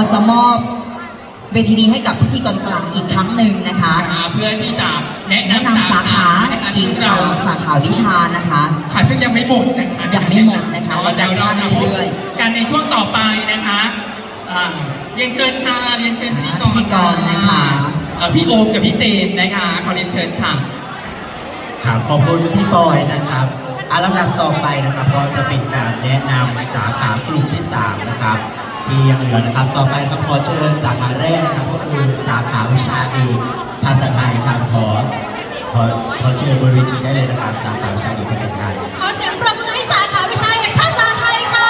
จะมอบเวทีนี้ให้กับพิธีกรกลางอีกครั้งหนึ่งนะคะเพื่อที่จะแนะนำสาขาอีก2 สาขาวิชานะคะค่ะซึ่งยังไม่หมดนะคะยังไม่หมดนะคะเดี๋ยวเราจะพบกันในช่วงต่อไปนะคะเรียนเชิญค่ะเรียนเชิญพิธีกรนะคะพี่โอมกับพี่เจนนะคะขอเรียนเชิญค่ะครับขอบคุณพี่บอยนะครับลำดับต่อไปนะครับก็จะเป็นการแนะนำสาขากลุ่มที่3นะครับที่ยังเหลือนะครับต่อไปครับขอเชิญสาขาแรกนะครับก็คือสาขาวิชาเอกภาษาไทยครับขอเชิญบนเวทีได้เลยนะครับสาขาวิชาเอกภาษาไทยขอเสียงปรบมือให้สาขาวิชาเอกภาษาไทยค่ะ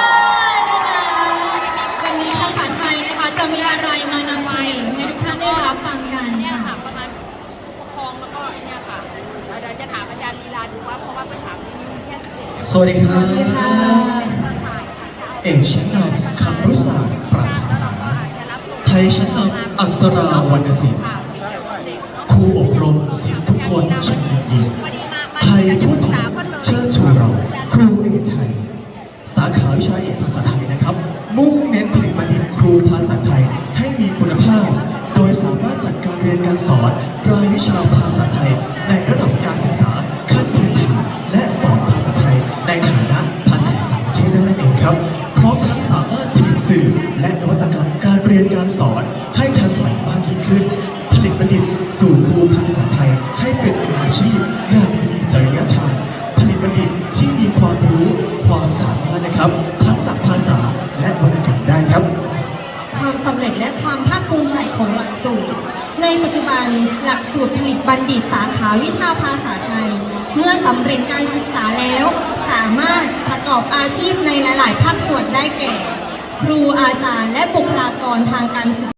วันนี้ภาษาไทยนะคะจะมีอะไรมานำเสนอให้ทุกท่านได้รับฟังกันค่ะประมาณผู้ปกครองแล้วก็เนี่ยค่ะเราจะถามอาจารย์ลีลาดูว่าเพราะว่าปัญหามีแค่11 สวัสดีครับเอกชั้นนำคำรุศาสตร์ปรัชญาภาษาไทยชั้นนำอักษราวรรณศิลป์ครูอบรมศิษย์ทุกคนชั้นเยี่ยมไทยทั่วไทยเชิญชูเราครูเอกไทยสาขาวิชาเอกภาษาไทยนะครับมุ่งเน้นผลิตบัณฑิตครูภาษาไทยให้มีคุณภาพโดยสามารถจัดการเรียนการสอนรายวิชาภาษาไทยในระดับการศึกษาขั้นพื้นฐานและสอนภาษาไทยในฐานะภาษาต่างประเทศได้นั่นเองครับพร้อมทั้งสามารถผลิตสื่อและนวัตกรรมการเรียนการสอนให้ทันสมัยมากยิ่งขึ้นผลิตบัณฑิตสู่ครูภาษาไทยให้เป็นมืออาชีพอย่างมีจริยธรรมผลิตบัณฑิตที่มีความรู้ความสามารถนะครับทั้งหลักภาษาและวรรณกรรมได้ครับความสำเร็จและความภาคภูมิใจของหลักสูตรในปัจจุบันหลักสูตรผลิตบัณฑิตสาขาวิชาภาษาไทยเมื่อสำเร็จการศึกษาแล้วสามารถประกอบอาชีพในหลายๆภาคส่วนได้แก่ครูอาจารย์และบุคลากรทางการศึกษา